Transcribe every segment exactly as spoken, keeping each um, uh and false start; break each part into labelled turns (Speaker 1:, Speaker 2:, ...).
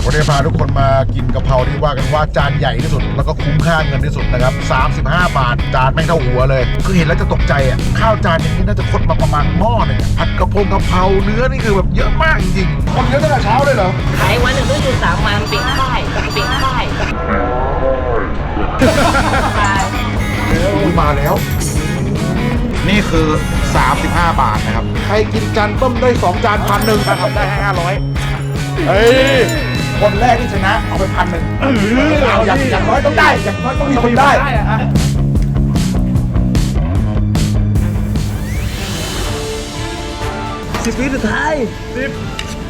Speaker 1: วันนี้พาทุกคนมากินกะเพราที่ว่ากันว่าจานใหญ่ที่สุดแล้วก็คุ้มค่าเงินที่สุดนะครับสามสิบห้าบาทจานไม่เท่าหัวเลยคือเห็นแล้วจะตกใจอ่ะข้าวจานนี้น่าจะคดมาประมาณหม้อหนึ่งผัดกระเพงกะเพราเนื้อนี่คือแบบเยอะมากจริงๆคนเยอะตั้งแต่เช้าเลยเหรอ
Speaker 2: ขายวันหนึ่งต้องอยู่สามวันปิดค่ายปิดค่าย
Speaker 1: มาแล้วนี่คือสามสิบห้าบาทนะครับใครกินจานเบิ้มได้สองจานพันหนึ่งถ้าทำได้ให้ห้าร้อยเฮ้ยคนแรกที่ชนะเอาไปพันหนึ่งอย่างอย่างน้อยต้องได้อย่างน้อยต้องมีคนได้
Speaker 3: สิบวิสุดท้ายสิบ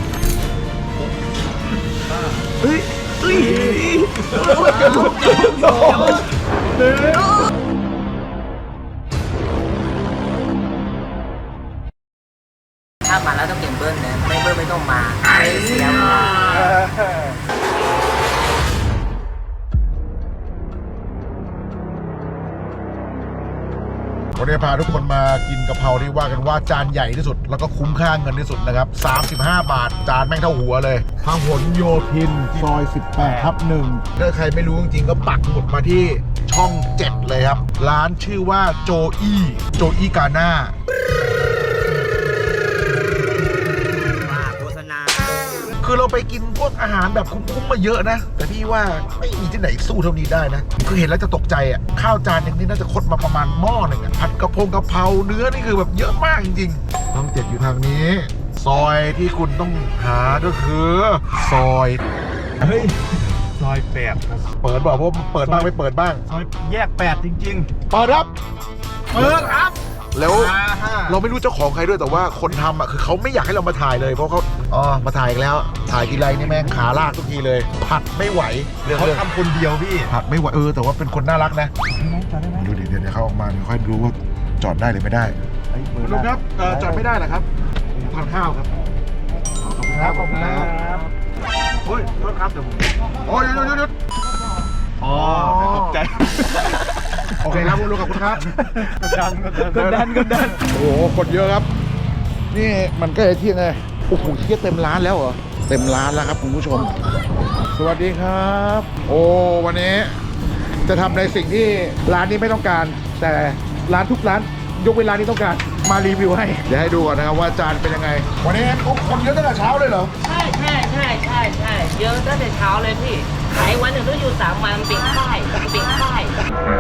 Speaker 3: เฮ้ยเฮ้ย
Speaker 2: ถ้ามาแล้วต้องเก็บเบิ้ลนะไม่เบิ้ลไม่ต้องมาไม่เสียเวลา
Speaker 1: วันนี้พาทุกคนมากินกะเพราที่ว่ากันว่าจานใหญ่ที่สุดแล้วก็คุ้มค่าเงินที่สุดนะครับสามสิบห้าบาทจานแม่งเท่าหัวเลยพหลโยธินซอยสิบแปดทับหนึ่งถ้าใครไม่รู้จริงๆก็ปักหมุดมาที่ช่องเจ็ดเลยครับร้านชื่อว่าโจอี้โจอี้กาน่าคือเราไปกินพวกอาหารแบบคุ้มๆมาเยอะนะแต่พี่ว่าไม่มีที่ไหนสู้เท่านี้ได้นะคือเห็นแล้วจะตกใจอ่ะข้าวจานนึงนี่น่าจะคดมาประมาณหม้อหนึ่งอ่ะผัดกระเพงกะเพราเนื้อนี่คือแบบเยอะมากจริงๆต้องเจ็ดอยู่ทางนี้ซอยที่คุณต้องหาก็คือซอย
Speaker 3: เฮ้ยซอยแปดครับ
Speaker 1: เปิดบอกว่าเปิดบ้างไม่เปิดบ้าง
Speaker 3: ซอยแยกแปดจริง
Speaker 1: ๆเปิดครับ
Speaker 3: เปิดครับ
Speaker 1: แล้วเราไม่รู้เจ้าของใครด้วยแต่ว่าคนทำอ่ะคือเขาไม่อยากให้เรามาถ่ายเลยเพราะเขาอ๋อมาถ่ายอีกแล้วถ่ายทีไรนี่แม่งขาลากทุกทีเลยผัดไม่ไหว
Speaker 3: เขาทำคนเดียวพี่
Speaker 1: ผัดไม่ไหวเออแต่ว่าเป็นคนน่ารักนะดูดิเดี๋ยวเขาออกมาเดี๋ยวค่อยดูว่าจอดได้หรือไม่ได้ลุงครับจอดไม่ได้เหรอครับผมทานข้าวครับขอบคุณครับขอบคุณครับโอ้ยโทษครับเดี๋ยวผมโอ้ยหยุดหยุดหยุด
Speaker 3: อ๋อตกใจ
Speaker 1: โอเคครับลุงขอบคุณครับ
Speaker 3: กดดันกดดันกดดัน
Speaker 1: โอ้โหคนเยอะครับนี่มันก็จะเที่ยงไงโอ้โหเที่ยเต็มร้านแล้วเหรอเต็มร้านแล้วครับคุณผู้ชมสวัสดีครับโอ้วันนี้จะทำในสิ่งที่ร้านนี้ไม่ต้องการแต่ร้านทุกร้านยกเว้นร้านนี้ต้องการมารีวิวให้เดี๋ยวให้ดูก่อนนะครับว่าจานเป็นยังไงวันนี้คนเยอะตั้งแต่เช้าเลยเหรอ
Speaker 2: ใช่ใช่ใช่ใช่ใช่เยอะตั้งแต่เช้าเลยพี่ขายวันหนึ่งต้องอยู่สามวันปิดค่ายปิดค่าย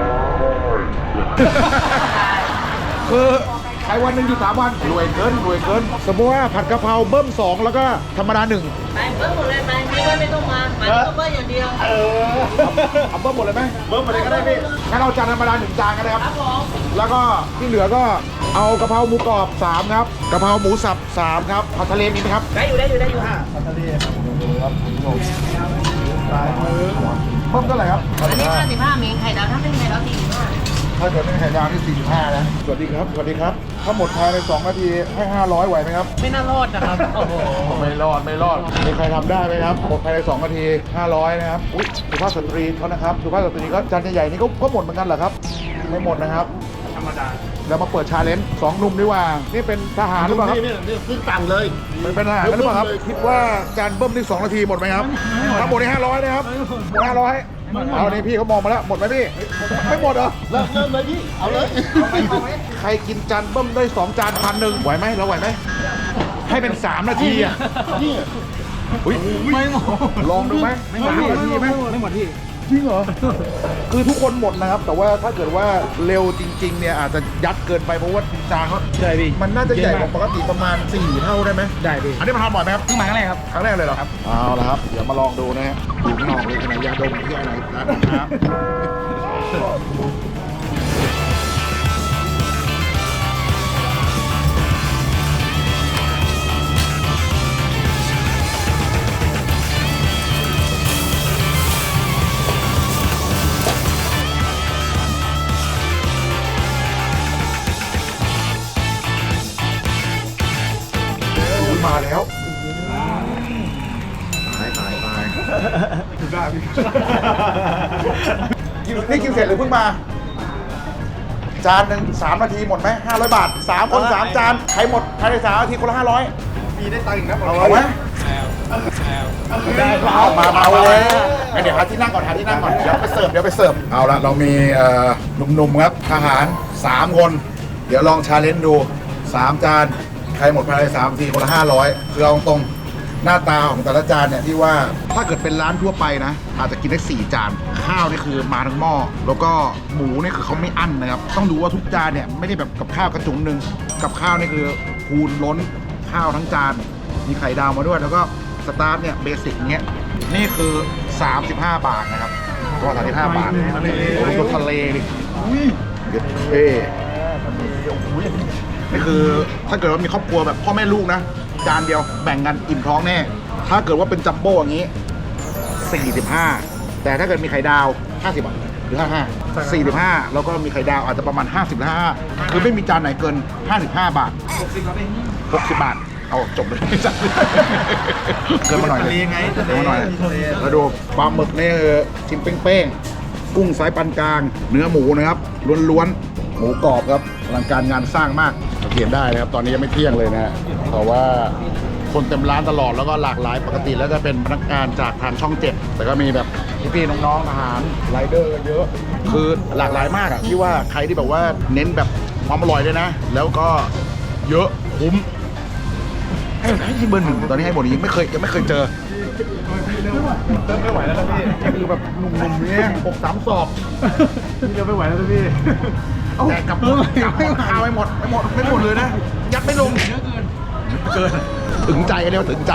Speaker 1: คือขายวันหนึ่งอยู่สามวันรวยเกินรวยเกินสมมติว่าผัดกะเพราเบิ้มสองแล้วก็ธรรมดาหนึ่ง
Speaker 2: ไปเบิ้มหมดเลยไปไม่ว่าไม่ต้องมาหมายถึงเบิ้มอย่างเดียว
Speaker 1: เออเอาเบิ้มหมดเลยไหมเบิ้มหมดเลยก็ได้พี่งั้นเราจานธรรมดาหนึ่งจานกันนะครับ
Speaker 2: ครับผม
Speaker 1: แล้วก็ที่เหลือก็เอากะเพราหมูกรอบสามครับกะเพราหมูสับสามครับผัดทะเลมีไหมครับ
Speaker 2: ได้อยู่ได้อยู่ได้อยู่ค่ะ
Speaker 1: ผัดทะเลครับครับปลายมือเพิ่มเท่าไหร่ครับ
Speaker 2: อันนี้ห้าสิบห้ามีไข่ดาวถ้าเป็นไข่ดาวสี่สิบห้า
Speaker 1: ถ้าเกิดเป็นไข่ดาวที่สี่สิบห้านะสวัสดีครับสวัสดีครับถ้าหมดภายในสองนาทีให้ห้าร้อยไหวไหมครับ
Speaker 2: ไม่น่ารอดนะครับโอ้โห
Speaker 1: ไม่รอดไม่รอดมีใครทำได้ไหมครับหมดภายในสองนาทีห้าร้อยนะครับอุ๊ยสุภาพสตรีเขานะครับสุภาพสตรีก็จานใหญ่ๆนี่ก็ก็หมดเหมือนกันเหรอครับไม่หมดนะครับ
Speaker 3: ธรรมดา
Speaker 1: แล้วมาเปิดชาเลนจ์สองหนุ่มดีกว่านี่เป็นทหารหรือเปล่าครับ
Speaker 3: นี่นี่ขึ้นต่างเลย
Speaker 1: มันเป็นทหารหรือเปล่าครับคิดว่าจานเบิ้มนี่สองนาทีหมดไหมครับถ้าหมดในห้าร้อยนะครับหมดห้าร้อยเอานี่พี่เขามองมาแล้วหมดไหมพี่ไม่หมดเหรอ
Speaker 3: เริ่มเริ่มเลยพี่เอาเลย
Speaker 1: ใครกินจานเบิ้มได้สองจานพันหนึ่งไหวไหมเราไหวไหมให้เป็นสามนาทีอ่ะ
Speaker 3: นี่
Speaker 1: ไม่หมดลองดูไหมไม่หมดนาทีไหม
Speaker 3: ไม่หมดที่
Speaker 1: จริงเหรอคือทุกคนหมดนะครับแต่ว่าถ้าเกิดว่าเร็วจริงๆเนี่ยอาจจะยัดเกินไปเพราะว่าจานเขา
Speaker 3: ใช่พี่
Speaker 1: มันน่าจะใหญ่กว่าปกติประมาณสี่เท่าได้ไหม
Speaker 3: ได้พี่
Speaker 1: อันนี้มาทำบ่อยไหมครับ
Speaker 3: เพิ่งมาครั้งแรกครับ
Speaker 1: ครั้งแรกเลยเหรอครับเอาละครับเดี๋ยวมาลองดูนะฮะดูข้างนอกเลยขนาดยาดมที่อะไรนะครับมาแล้วตายตายตายถึงได้พี่นี่กินเสร็จหรือเพิ่งมาจานหนึ่งสามนาทีหมดไหมห้าร้อยบาทสามคนสามจานใครหมดภายในสามนาทีคนละห้าร้อยมีได้ตังค์อีกนะเอาไหม
Speaker 3: ได้ครั
Speaker 1: เอา
Speaker 3: บ
Speaker 1: มามาเลยเดี๋ยวหาที่นั่งก่อนหาที่นั่งก่อนเดี๋ยวไปเสิร์ฟเดี๋ยวไปเสิร์ฟเอาละเรามีเอ่อหนุ่มๆครับทหารสามคน เดี๋ยวลองชาเลนจ์ดูสามจานใครหมดภายในสามนาทีคนละห้าร้อยคือเอาตรงหน้าตาของแต่ละจานเนี่ยที่ว่าถ้าเกิดเป็นร้านทั่วไปนะอาจจะกินได้สี่จานข้าวนี่คือมาทั้งหม้อแล้วก็หมูนี่คือเขาไม่อั้นนะครับต้องดูว่าทุกจานเนี่ยไม่ได้แบบกับข้าวกระจุงหนึ่งกับข้าวนี่คือคูณล้นข้าวทั้งจานมีไข่ดาวมาด้วยแล้วก็สตาร์ทเนี่ยเบสิกเนี้ยนี่คือสามสิบห้าบาทนะครับก็สามสิบห้าบาทโอ้โหทะเลดิเด็ดเท่นี่คือถ้าเกิดว่ามีครอบครัวแบบพ่อแม่ลูกนะจานเดียวแบ่งกันอิ่มท้องแน่ถ้าเกิดว่าเป็นจัมโบ้อย่างนี้สี่สิบห้าแต่ถ้าเกิดมีไข่ดาวห้าสิบบาทหรือห้าสิบห้า สี่สิบห้าแล้วก็มีไข่ดาวอาจจะประมาณห้าสิบหรือห้าสิบห้าคือไม่มีจานไหนเกินห้าสิบห้าบาทหกสิบบาทเอาจบเลยเกินมาหน่อยเลยเกินมาหน่อยแล้วดูปลาหมึกนี่ชิ้นเป้งๆกุ้งสายปานกลางเนื้อหมูนะครับล้วนๆหมูกรอบครับอลังการงานสร้างมากสังเกตได้นะครับตอนนี้ยังไม่เที่ยงเลยนะฮะเพราะว่าคนเต็มร้านตลอดแล้วก็หลากหลายปกติแล้วจะเป็นพนักงานจากทางช่องเจ็ดแต่ก็มีแบบพี่ๆน้องๆทหารไรเดอร์เยอะคือหลากหลายมากอะที่ว่าใครที่แบบว่าเน้นแบบความอร่อยด้วยนะ แล้วก็เยอะคุ้มให้ให้ที่เบอร์หนึ่งตอนนี้ให้หมดนี้ไม่เคยยังไม่เคยเจอ
Speaker 3: เริ่มไม่ไหวแล้วนะพี่
Speaker 1: คือแบบหนุ่มๆเนี่ยหกสามศอก
Speaker 3: พี่เริ่มไม่ไหวแล้วนะพี่
Speaker 1: แต่กับกับข้าวไม่หมดไม่หมดไม่หมดเลยนะยัดไม่ลงเยอะเกินเกินถึงใจเรียกว่าถึงใจ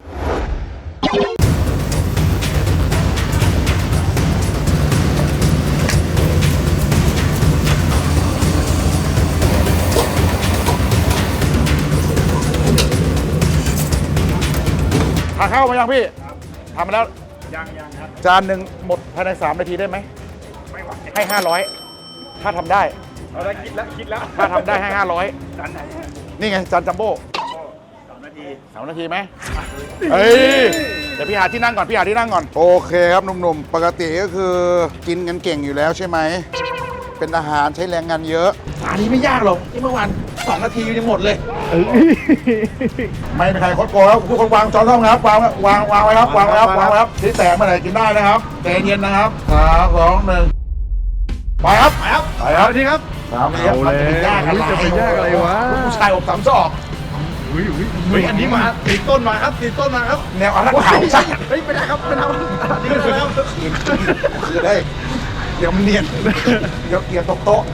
Speaker 1: ทานข้าวมายังพี่ทำมาแล้วยังยังครับจานหนึ่งหมดภายในสามนาทีได้ไหมไม่ไหวให้ห้าร้อยถ้าทำได้เอาได้คิดแล้วคิดแล้วถ้าทำได้ให้ห้าร้อยจานไหนนี่ไงจานจัมโบ้สามนาทีสามนาทีไหมเฮ้ยเดี๋ยวพี่หาที่นั่งก่อนพี่หาที่นั่งก่อนโอเคครับหนุ่มๆปกติก็คือกินกันเก่งอยู่แล้วใช่ไหมเป็นอาหารใช้แรงงานเยอะอันนี้ไม่ยากหรอกที่เมื่อวานสองนาทียังหมดเลยไม่มีใครคดโกงแล้วทุกคนวางจอนท่องนะครับวางวางวางไว้ครับวางไว้ครับวางไว้ครับที่แตกมาไหนกินได้นะครับใจเย็นนะครับสามสองหนึ่งไปครับไปครับไปครับนี่ครับสามเอาเลยจะไปยากอะไรจะไปยากอะไรวะผู้ชายอกสามศอกอุ้ยอุ้ยอุ้ยอันนี้มาติดต้นมาครับติดต้นมาครับแนวอารักขาใช่เฮ้ยไม่ได้ครับไม่ได้นี่ก็แล้วคือได้เดี๋ยวมันเนียนเดี๋ยวเกียร์ตกโต๊ะ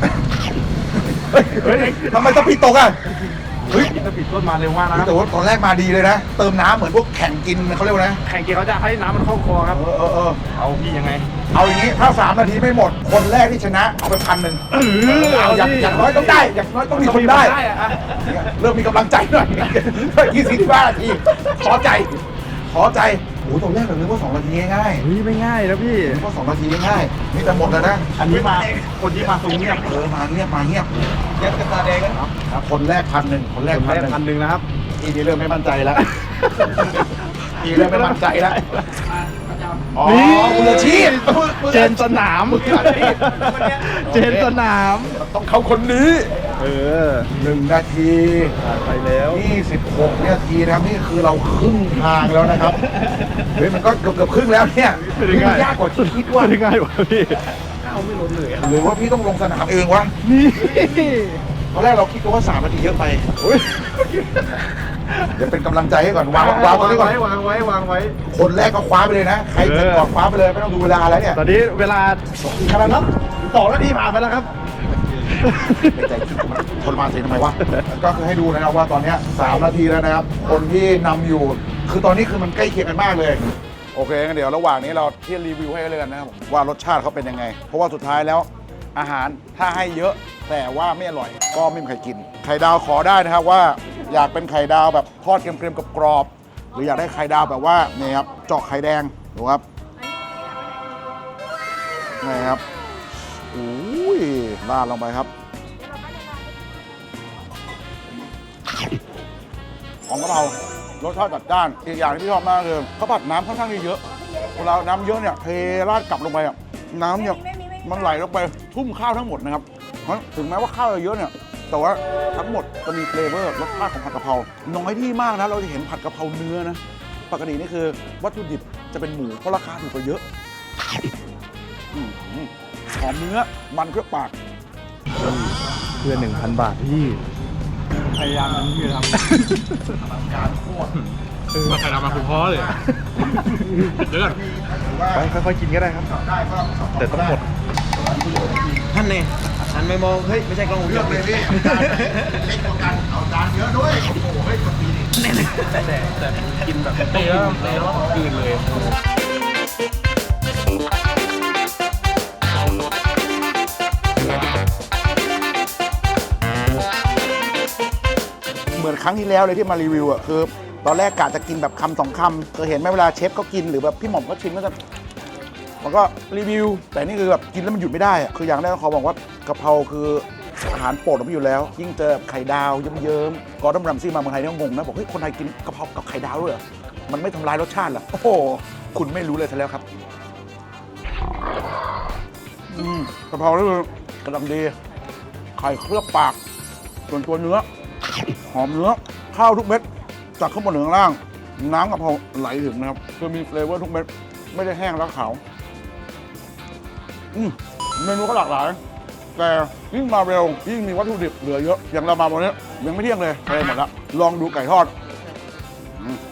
Speaker 1: เฮ้ยทำไมต้องพี่ตกอ่ะเฮ้ยถ้าปิดต้นมาเร็วมากนะครับแต่ว่าตอนแรกมาดีเลยนะเติมน้ำเหมือนพวกแข่งกินเขาเรียกว่านะ
Speaker 3: แข่งเกียร์เขาจะให้น้ำมันเข้าคอครับ
Speaker 1: เออเออเออ
Speaker 3: เอาพี่ยังไง
Speaker 1: เอาอย่างนี้ถ้าสามนาทีไม่หมดคนแรกที่ชนะเอาไปพันหนึ่งเอาอย่างอย่างน้อยต้องได้อย่างน้อยต้องมีคนได้เริ่มมีกำลังใจหน่อยยี่สิบห้านาทีขอใจขอใจโอ้ตอนแรกเราคิดว่าสองนาทีง่าย
Speaker 3: เฮ้ยไม่ง่ายนะพี่
Speaker 1: ๆคิดว่าสองนาทีง่ายๆนี่แต่หมดแล้วนะ
Speaker 3: อันนี้มาคนที่มาตรงเงียบ
Speaker 1: เออมาเงียบมาเงียบ
Speaker 3: เงียบกันตาแดงกัน
Speaker 1: ครับคนแรกพันหนึ่งคนแรกพันหนึ่ง
Speaker 3: พันหนึ่งนะครับ
Speaker 1: ทีนี้เริ่มไม่มั่นใจแล้วทีเริ่มไม่มั่นใจแล้วอ๋อมืออาชีพ
Speaker 3: เจนสนาม
Speaker 1: มืออาชีพ
Speaker 3: เจนสนาม
Speaker 1: ต้องเข้าคนนี้
Speaker 3: เออ
Speaker 1: หนึ่งนาที
Speaker 3: ผ่านไปแล้ว
Speaker 1: ยี่สิบหกนาทีนะครับนี่คือเราครึ่งทางแล้วนะครับเฮ้ยมันก็เกือบเกือบครึ่งแล้วเนี่ยนี่มันยากกว่าที่คิดว่า
Speaker 3: ไม่ได้ง่ายวะพี่
Speaker 1: หรือว่าพี่ต้องลงสนามเองวะ
Speaker 3: นี่
Speaker 1: ตอนแรกเราคิดกันว่าสามนาทีเยอะไปเดี๋ยวเป็นกำลังใจให้ก่อนวางวางตรงนี้ก่อน
Speaker 3: วางไว้วางไว้
Speaker 1: คนแรกก็คว้าไปเลยนะใครจะก่อนคว้าไปเลยไม่ต้องดูเวลาแล้วเนี่ย
Speaker 3: ตอนนี้เวลาขนาดนั้นสองนาทีผ่านไปแล้วครับ
Speaker 1: ในใจคิดว่าทรมานเสียทำไมวะก็คือให้ดูนะครับว่าตอนเนี้ยสามนาทีแล้วนะครับคนที่นำอยู่ คือตอนนี้คือมันใกล้เคียงกันมากเลยโอเคงั้นเดี๋ยวระหว่างนี้เราที่รีวิวให้เลยกันนะครับว่ารสชาติเขาเป็นยังไง เพราะว่าสุดท้ายแล้วอาหารถ้าให้เยอะแต่ว่าไม่อร่อยก็ไม่มีใครกินไข่ดาวขอได้นะครับว่าอยากเป็นไข่ดาวแบบทอดเกรียมๆกับกรอบหรืออยากได้ไข่ดาวแบบว่านี่ครับเจาะไข่แดงดูครับนี่ครับอุ้ยราดลงไปครับของกะเพรารสชาติจัดจ้านอีกอย่างที่พี่ชอบมากคือข้าวผัดน้ำค่อนข้างเยอะเวลาน้ำเยอะเนี่ยเทราดกลับลงไปอ่ะน้ำเนี่ยมันไหลลงไปทุ่มข้าวทั้งหมดนะครับเพราะถึงแม้ว่าข้าวจะเยอะเนี่ยแต่ว่าทั้งหมดจะมีเฟลเวอร์รสชาติของผัดกะเพราน้อยที่มากนะเราจะเห็นผัดกะเพราเนื้อนะปกตินี่คือวัตถุดิบจะเป็นหมูเพราะราคาถูกกว่าเยอะอื้อหือหอมเนื้อมันเคลือบปาก
Speaker 3: เพื่อหนึ่งพันบาทพี่พยายามนั้นพี่ทำการโคตรมาใครทำมาคุณพ่อเลยเดี๋ยวก่อนไปค่อยๆกินก็ได้ครับแต่ต้องหมดท่านเนี่ยท่านไม่มองเฮ้ยไม่ใช่กล้องวงจรปิดเลยพี่เล็กกว่ากันเอาจานเยอะด้วยโอ้โหเฮ้ยคนดีนี่แต่แต่กินแบบเตะแล้วเตะแล้วคืนเลยเหมือนครั้งที่แล้วเลยที่มารีวิวอ่ะคือตอนแรกกะจะกินแบบคำสองคำเคยเห็นไหมเวลาเชฟก็กินหรือแบบพี่หม่อมก็ชิมก็จะมันก็รีวิวแต่นี่คือแบบกินแล้วมันหยุดไม่ได้อะคืออย่างแรกเขาบอกว่ากะเพราคืออาหารโปรดของพี่อยู่แล้วยิ่งเจอไข่ดาวเยิ้มๆกอร์ดอนรัมซี่มาเมืองไทยนี่ก็งงนะบอกเฮ้ยคนไทยกินกะเพรากับไข่ดาวด้วยเหรอมันไม่ทำลายรสชาติเหรอโอ้โหคุณไม่รู้เลยซะแล้วครับอืมกะเพรานี่คือกำลังดีไข่เคลือบปากส่วนตัวเนื้อหอมเนื้อข้าวทุกเม็ดจากข้างบนถึงข้างล่างน้ำกะเพราไหลถึงนะครับคือมีเฟลเวอร์ทุกเม็ดไม่ได้แห้งแล้วขาวอืมเมนูก็หลากหลายแต่ยิ่งมาเร็วยิ่งมีวัตถุดิบเหลือเยอะอย่างเรามาวันนี้ยังไม่เที่ยงเลยอะไรหมดละลองดูไก่ทอดอืม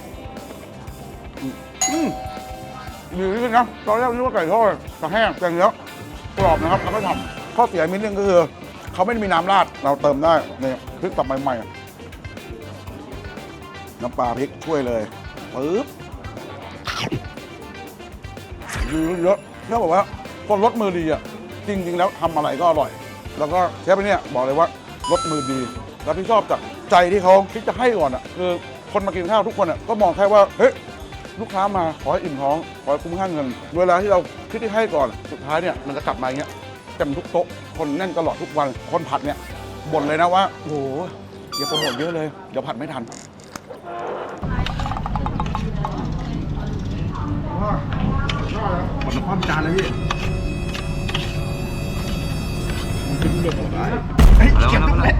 Speaker 3: อืมดีจริงนะตอนแรกนึกว่าไก่ทอดจะแห้งแต่เนื้อกรอบนะครับแล้วก็ทำข้อเสียนิดนึงก็คือเขาไม่ได้มีน้ำราดเราเติมได้เนี่ยพริกตับใหม่ๆน้ำปลาพริกช่วยเลยปึ๊บดีเยอะเชื่อบอกว่าคนรสมือดีอ่ะจริงๆแล้วทำอะไรก็อร่อยแล้วก็เชฟเนี่ยบอกเลยว่ารสมือดีแล้วพี่ชอบจากใจที่เขาคิดจะให้ก่อนอ่ะคือคนมากินข้าวทุกคนอ่ะก็มองแค่ว่าเฮ้ยลูกค้ามาขอให้อิ่มท้องขอให้คุ้มค่าเงินเวลาที่เราคิดที่ให้ก่อนสุดท้ายเนี่ยมันจะกลับมาอย่างเงี้ยเต็มทุกโต๊ะคนแน่นตลอดทุกวันคนผัดเนี่ยบ่นเลยนะว่าโอ้โหอย่าโปรโมทเยอะเลยเดี๋ยวผัดไม่ทันหมดความจานเลยพี่กินเดือดได้เฮ้ยเก็บตั้งแต่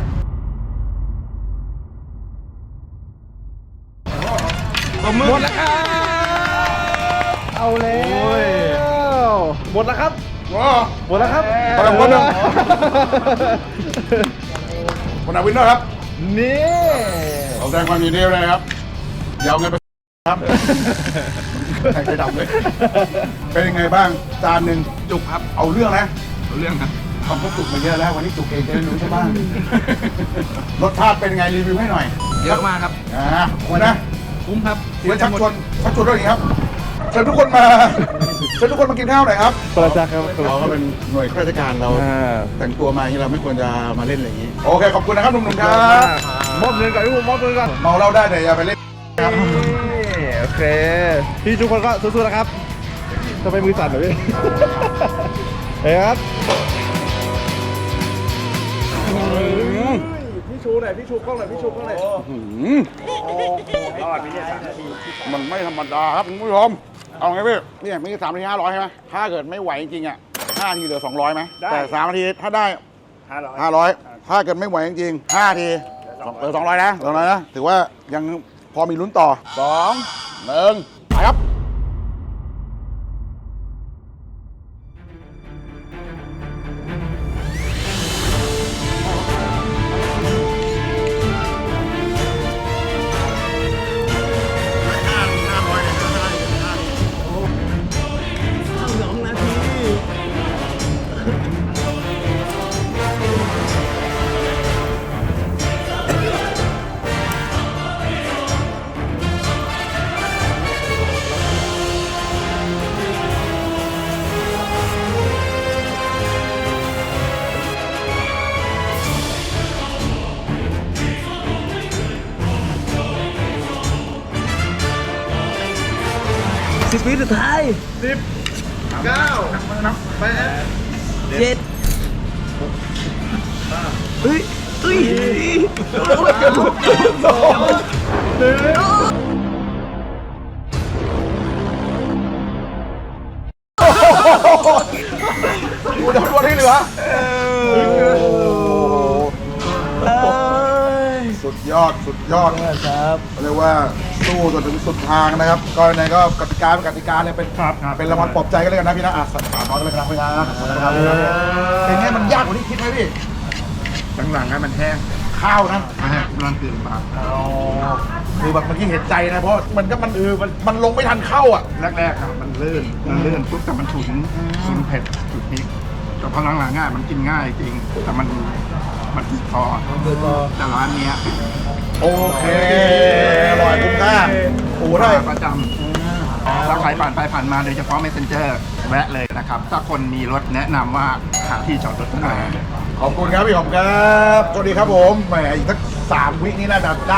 Speaker 3: หมดแล้วครับเอาแล้วหมดแล้วครับหมดแล้วครับกำลังคนหนึ่งคนไหนวินเนอร์ครับนี่เอาแสดงความยินดีเลยครับยาวเงินไปครับใส่ใจดำเลยเป็นยังไงบ้างจานหนึ่งจุกครับเอาเรื่องนะเอาเรื่องครับทำก็จุกมาเยอะแล้ววันนี้จุกเองจะได้รู้ใช่ไหมรสชาติเป็นยังไงรีวิวให้หน่อยเยอะมากครับอ่าคุณนะคุ้มครับเสียชักชวนชักชวนด้วยครับเชิญทุกคนมาเชิญทุกคนมากินข้าวหน่อยครับประจักษ์ครับเราก็เป็นหน่วยข้าราชการเราแต่งตัวมาอย่างนี้เราไม่ควรจะมาเล่นอะไรอย่างนี้โอเคขอบคุณนะครับหนุ่มๆครับมอบเงินก่อนพี่ผมมอบเงินก่อนเมาเหล้าได้แต่อย่าไปเล่นครับโอเคพี่ทุกคนก็สู้ๆนะครับทำไมมือสั่นเหรอพี่เฮ้ยครับพี่ชูหน่อยพี่ชูกล้องหน่อยพี่ชูกล้องหน่อยรอดพี่เนี่ยมันไม่ธรรมดาครับคุณผู้ชมเอาไงพี่เนี่ยมีสามนาทีห้าร้อยใช่ไหมถ้าเกิดไม่ไหวจริงๆอ่ะห้านาทีเหลือสองร้อยไหมแต่สามนาทีถ้าได้ห้าร้อยห้าร้อยถ้าเกิดไม่ไหวจริงๆห้านาทีเหลือสองร้อยนะสองร้อยนะถือว่ายังพอมีลุ้นต่อสองหนึ่งไปครับสิบวิสุดท้ายสิบเก้าแปดเจ็ดเฮ้ยเฮ้ยสองหนึ่งดูจำนวนที่เหลือสุดยอดสุดยอดครับเรียกว่าสู้จนถึงสุดทางนะครับก็ในก็กติกาเป็นกติกาเลยเป็นเป็นรางวัลปลอบใจกันเลยกันนะพี่นะอ่ะสามร้อยกันเลยครับพี่นะนะครับเป็นไงมันยากกว่าที่คิดไหมพี่หลังๆมันแห้งข้าวนะแห้งรันตื่นมาคือแบบเมื่อกี้เห็นใจนะเพราะมันก็มันเออมันมันลงไม่ทันเข้าอ่ะแรกๆครับมันลื่นมันลื่นปุ๊บแต่มันฉุนฉุนเผ็ดฉุนพริกแต่พอหลังๆง่ายมันกินง่ายจริงแต่มันมันติดคอแต่ร้านเนี้ยโอเคอร่อยคุ้มค่าโอ้ได้ประจำถ้าใครผ่านไปผ่านมาโดยเฉพาะ Messenger แวะเลยนะครับถ้าคนมีรถแนะนำว่าหาที่จอดรถได้ขอบคุณครับพี่ขอบครับสวัสดีครับผมแหมอีกสักสามวินี่น่าจะได้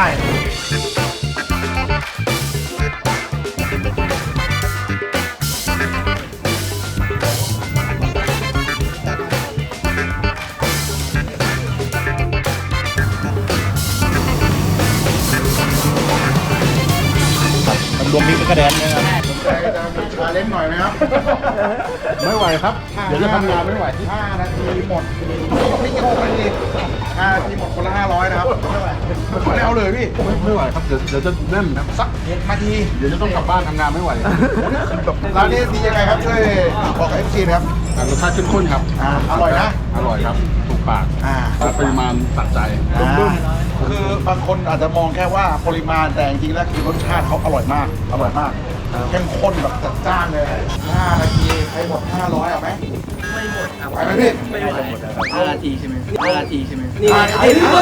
Speaker 3: รวมมิกกระแดนนะครับสนใจจะมีชาเลนจ์หน่อยไหมครับไม่ไหวครับเดี๋ยวจะทำงานไม่ไหวห้านาทีหมดไม่กี่โมงนาทีห้านาทีหมดคนละห้าร้อยนะครับไม่ไหวไม่เอาเลยพี่ไม่ไหวครับเดี๋ยวเดี๋ยวจะเล่นนะสักหกนาทีเดี๋ยวจะต้องกลับบ้านทำงานไม่ไหวร้านนี้ดียังไงครับช่วยบอกกับเอฟซีนะครับรสชาติเข้มข้นครับอร่อยนะอร่อยครับถูกปากปริมาณตัดใจคือบางคนอาจจะมองแค่ว่าปริมาณแต่จริงๆแล้วคือรสชาติเขาอร่อยมากอร่อยมากเข้มข้นแบบจัดจ้านเลยห้านาทีใครหมดห้าร้อยเอาไหมไม่หมดครับไหวไหมพี่ไม่หมดห้านาทีใช่ไหมห้านาทีใช่ไหมนี่ไอ้นี่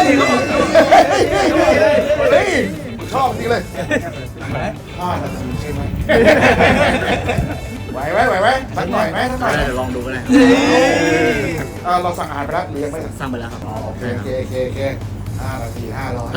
Speaker 3: เฮ้ยชอบจริงเลยห้านาทีใช่ไหมไหวไหมไหวไหมสักหน่อยไหมสักหน่อยเดี๋ยวลองดูกันเลยเราสั่งอาหารไปแล้วหรือยังไม่สั่งไปแล้วครับโอเคโอเคโอเคโอเคห้านาทีห้าร้อย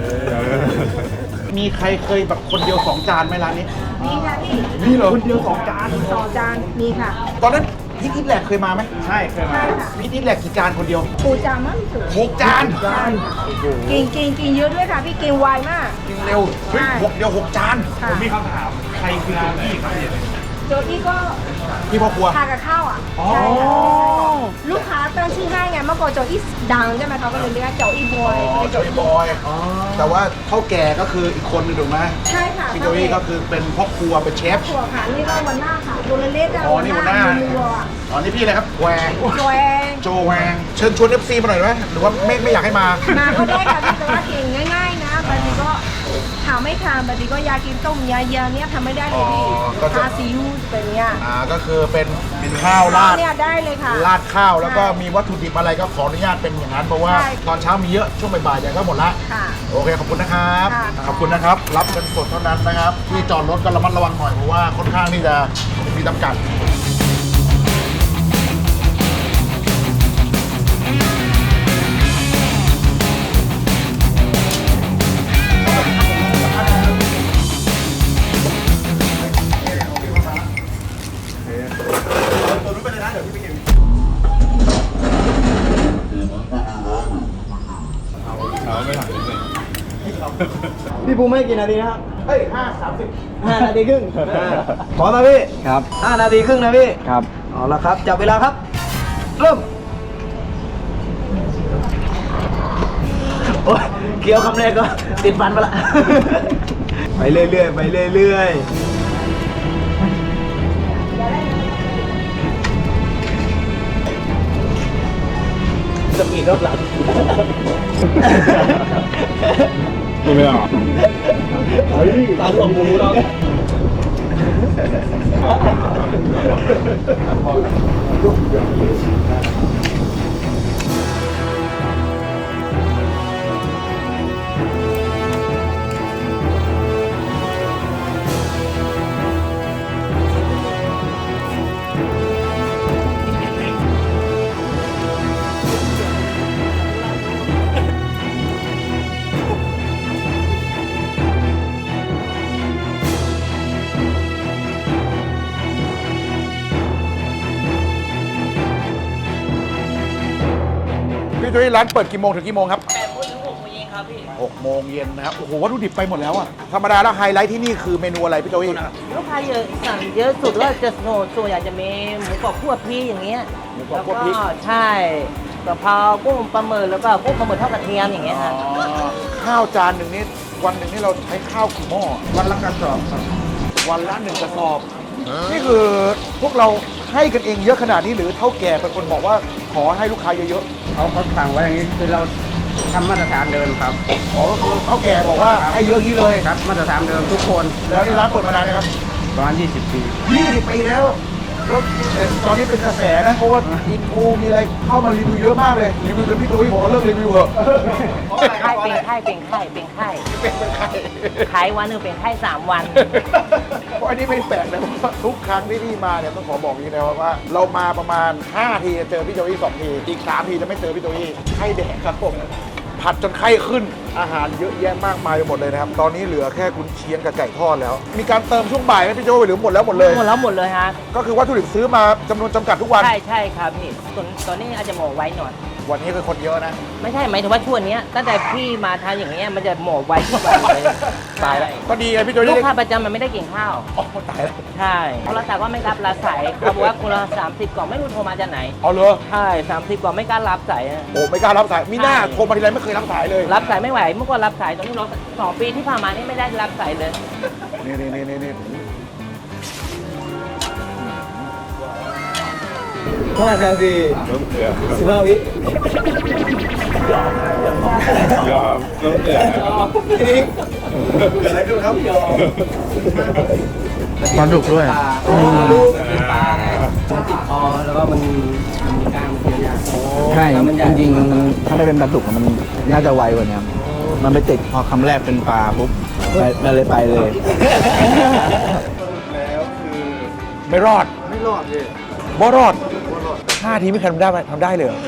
Speaker 3: มีใครเคยแบบคนเดียวสองจานไหมร้านนี้มีค่ะพี่นี่เหรอคนเดียวสองจาน
Speaker 4: สองจานมีค่ะ
Speaker 3: ตอนนั้นพี่ทิพย์แหลกเคยมาไหมใช่เคยมาพี่ทิพย์แหลกกี่จานคนเดียว
Speaker 4: ปูจานมั้งสุด
Speaker 3: หกจาน
Speaker 4: กินกินกินเยอะด้วยค่ะพี่กินไวมาก
Speaker 3: กินเร็วเฮ้ยหกเดียวหกจาน
Speaker 4: ผมมีคำถามใครคือโจอี้ครับโจอี้ก็
Speaker 3: พี่พ่อครัว
Speaker 4: ทานกับข้าวอ่ะใช่ลูกค้าตั้งชื่อให้ไงเมื่อก่อนโจอี้ดังใช่ไหมเขาก็เลยเรียกโจอี้บอย
Speaker 3: โจอี้บอยแต่ว่าเท่าแก่ก็คืออีกคนนึงถูกไหม
Speaker 4: ใช่ค่ะ
Speaker 3: พี่โจอี้ก็คือเป็นพ่อครัวเป็นเชฟ
Speaker 4: พ่อครัวค่ะนี่ก็วันหน้าค่ะโดนเล่ๆกัน
Speaker 3: อ๋อนี่วันหน้าอ๋อนี่พี่อะไรครับแวง
Speaker 4: โจแวง
Speaker 3: โจแวงเชิญชวนเอฟซีมาหน่อยไหมหรือว่าไม่ไม่อยากให้มา
Speaker 4: มาก็ได้ค่ะพี่แต่ว่าเก่งง่ายๆนะบางทีก็ถามไม่ทานบางทีก็ยากินต้มยาเยอะเนี้ยทำไม่ได้เลยพี่ทาซีอิ๊วเป็นเนี้ย
Speaker 3: อ่าก็คือเป็นเป็นข้าวราด
Speaker 4: เนี่ยได้เลยค่ะ
Speaker 3: ราดข้าวแล้วก็มีวัตถุดิบอะไรก็ขออนุญาตเป็นอย่างนั้นเพราะว่าตอนเช้ามีเยอะช่วงบ่ายๆอย่างก็หมดละโอเคขอบคุณนะครับขอบคุณนะครับรับเงินสดเท่านั้นนะครับที่จอดรถก็ระมัดระวังหน่อยเพราะว่าค่อนข้างที่จะมีจำกัด
Speaker 5: พี่ภูมิให้กี่นาทีนะครับ
Speaker 3: เฮ้ยห้าสามสิบ
Speaker 5: ห้านาทีครึ่งพร้อมนะพี่ครับห้านาทีครึ่งนะพี่ครับเอาละครับจับเวลาครับเริ่มโอ้ยเคี้ยวคำแรกก็ติดฟันไปละไปเรื่อยๆไปเรื่อยๆจะมีรอบหลัง
Speaker 3: ไม่เอา
Speaker 5: ตาหลงมูเรา
Speaker 3: พี่จุ้ยร้านเปิดกี่โมงถึงกี่โมงครับ
Speaker 2: แปดโมงถึงหกโมงเย็นครับพี่
Speaker 3: หกโมงเย็นนะครับโอ้โหวัตถุดิบไปหมดแล้วอะธรรมดาแล้วไฮไลท์ที่นี่คือเมนูอะไรพี่จุ้ย
Speaker 2: ลูกค้าเยอะสั่งเยอะสุดก็จะโส่วนใหญ่จะมีหมูกรอบคั่วพริกอย่างเงี้ย
Speaker 3: หมูกรอบคั่วพริก
Speaker 2: ใช่กะเพรากุ้งปลาหมึกแล้วก็กุ้งปลาหมึกทอดกระเทียมอย่างเงี้ยครับ
Speaker 3: ข้าวจานหนึ่งนี่
Speaker 1: วันหนึ่งนี่เราใช้ข้าวกี่หม้อ
Speaker 5: วันละกระสอบครับ
Speaker 1: วันละหนึ่งกระสอบ นี่คือพวกเราให้กันเองเยอะขนาดนี้หรือเท่าแก่เป็นคนบอกว่าขอให้ลูกค้าเยอะ
Speaker 5: เขาเขาสั่งไว้อย่างนี้คือเราทำมาตรฐานเดิมครับ
Speaker 1: ๆอ๋อก็คือเท่าแก่บอกว่าให้เยอะอย่างนี้เลย
Speaker 5: ครับมาตรฐานเดิมทุกคน
Speaker 1: แล้วนี่ร้านเปิดมานานนะครับ
Speaker 5: ประมาณยี่สิบปี
Speaker 1: ยี่สิบปีแล้วแล้วตอนนี้เป็นกระแสนะเพราะว่าอินฟูมีอะไรเข้ามารีวิวเยอะมากเลยรีวิวจนพี่ตุ้ยบอกว่าเลิกรีวิวเหอะ
Speaker 2: ไข้เป็นไข้เป็นไข้เป็นไข้
Speaker 1: เป็นเป็นใคร
Speaker 2: ขายวันหนึ่งเป็นไข้สามวัน
Speaker 1: เพราะอันนี้ไม่แปลกเลยเพราะว่าทุกครั้งที่พี่มาเนี่ยต้องขอบอกอย่างนี้นะว่า เรามาประมาณห้าทีจะเจอพี่โจอี้สองทีอีกสามทีจะไม่เจอพี่โจอี้ไข้แดกครับผมผัดจนไข้ขึ้นอาหารเยอะแยะมากมายไปหมดเลยนะครับตอนนี้เหลือแค่กุนเชียงกับไก่ทอดแล้ว มีการเติมช่วงบ่ายไหมพี่โจหรือหมดแล้วหมดเลย
Speaker 2: หมดแล้วหมดเลยฮะ
Speaker 1: ก็คือวัตถุดิบซื้อมาจำนวนจำกัดทุกวัน
Speaker 2: ใช่ใช่ครับพี่ตอนตอนนี้อาจจะหมอไว้หน่อย
Speaker 1: วันนี้คือคนเยอะนะ
Speaker 2: ไม่ใช่หมายถึงว่าช่วงเนี้ยตั้งแต่พี่มาทานอย่างเงี้ยมันจะหมอไว้ทุกวันเลย
Speaker 1: ตายแล้วก็ดีไงพี่โจ
Speaker 2: ลู
Speaker 1: อี้
Speaker 2: กค้าประจำมันไม่ได้กินข้าว
Speaker 1: อ๋อตายแล้ว
Speaker 2: ใช่โทรศัพท์ก็ไม่รับรับสายเขาบอกว่าคนละสามสิบกล่องไม่รู้โทรมาจากไหน
Speaker 1: เอาเลย
Speaker 2: ใช่สามสิบกล่องไม่กล้ารับสายอะ
Speaker 1: โอ้ไม่กล้ารับสายมีหน้า
Speaker 2: ใช่
Speaker 1: โทรมาทีไรไม่เคยรับสายเลย
Speaker 2: รับสายไม่ไหวเมื่อก่อนรับสายตอนนี้เราสองปีที่ผ่านมานี่ไม่ได้รับสายเลย
Speaker 1: นี่นี่นี่นี่นี่
Speaker 5: ห้านาทีสิบห้าวิ
Speaker 1: อะไรขึ้นครับ
Speaker 5: ปลาดุกด้วยเป็นปลาไงมันติดคอแล้วก็มันมันมีกล้างมันเยอะๆใช่จริงๆมันถ้าได้เป็นปลาดุกมันน่าจะไวกว่านี้มันไปติดพอคำแรกเป็นปลาปุ๊บไปเลยไปเลย
Speaker 1: แล้วคือไม่รอด
Speaker 5: ไม่รอดเลย
Speaker 1: บ่รอดห้าทีไม่เคยทำได้ไหมทำได้เลยเหรอ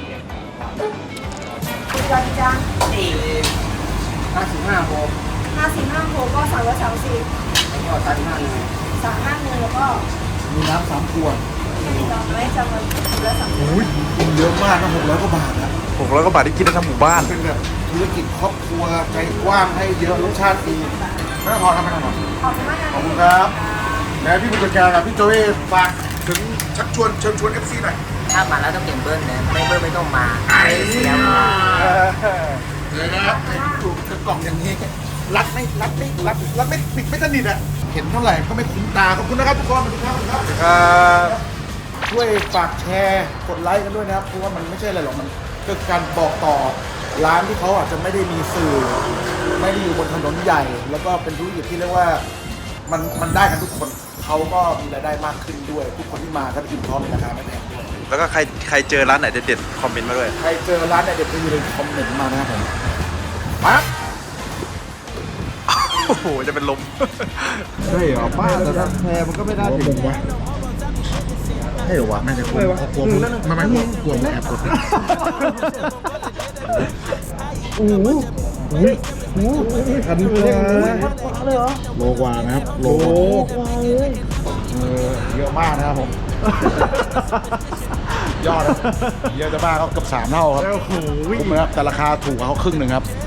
Speaker 4: คุณจอดีจ้า
Speaker 5: ห้าสิบห้าโมง
Speaker 4: ห้าสิบห้าโคก็สามร้อยสามสิบ
Speaker 5: แล้วก็ตันห้าเลย
Speaker 4: สามห้าหนึ่งแล้วก็
Speaker 5: มีน้ำสามขวด
Speaker 4: มีดอกไม้จำนวนร้อยสามสิบ
Speaker 1: อุ้ยเยอะมากนะหกร้อยกว่าบาทนะหกร้อยกว่าบาทที่กินได้ทั้งหมู่บ้านเป็นแบบธุรกิจครอบครัวใจกว้างให้เยอะรสชาติดีไม่ต้องพอครับไม่ต้องพอ
Speaker 4: ขอบคุณมากนะ
Speaker 1: ขอบคุณครับแล้วพี่ผู้จัดการกับพี่โจเอฝากถึงชักชวนเชิญชวนเอฟซีหน่อย
Speaker 2: ถ้ามาแล้วต้องเปลี่ยนเบิ้ลนะไม่เบิ้ลไม่ต้องมาเสียมา
Speaker 1: เลยนะครับถูกกล่องอย่างนี้รัดไม่รัดไม่รัดรัดไม่ปิดไม่สนิทอ่ะเห็นเท่าไหร่ก็ไม่คุ้มตาขอบคุณนะครับทุกคนขอบคุณครับขอบคุณครับช่วยฝากแชร์กดไลค์กันด้วยนะครับเพราะว่ามันไม่ใช่อะไรหรอกมันคือการบอกต่อร้านที่เขาอาจจะไม่ได้มีสื่อ ไม่ได้อยู่บนถนนใหญ่ แล้วก็เป็นธุรกิจที่เรียกว่ามันมันได้กันทุกคนเขาก็มีรายได้มากขึ้นด้วย ทุกคนที่มาก็ได้อิ่มท้องในราคาไม่แพงด้วย
Speaker 6: แล้วก็ใครใครเจอร้านไหนเด็ดๆคอมเมนต์มาด้วย
Speaker 1: ใครเจอร้านไหนเด็ดก็อย่าลืมคอมเมนต์มานะครับผมมา
Speaker 6: โอ้โห จะเป็นลม
Speaker 1: ใช่เหรอป้าแต่ถ้าแพรมันก็ไม่ได้ถึงวะใช่เหรอวะน่าจะกลัวกลัวมึงไม่ไม่กลัวกลัวมึงแอบกดโอ้โหโอ้โหพันกว่าเลยเหรอโลกว่านะครับโลกว่าเลยเออเยอะมากนะครับผม ยอดนะเยอะจะบ้าเขาเกือบสามเท่าครับคุ้มนะครับแต่ราคาถูกกว่าเขาครึ่งหนึ่งครับ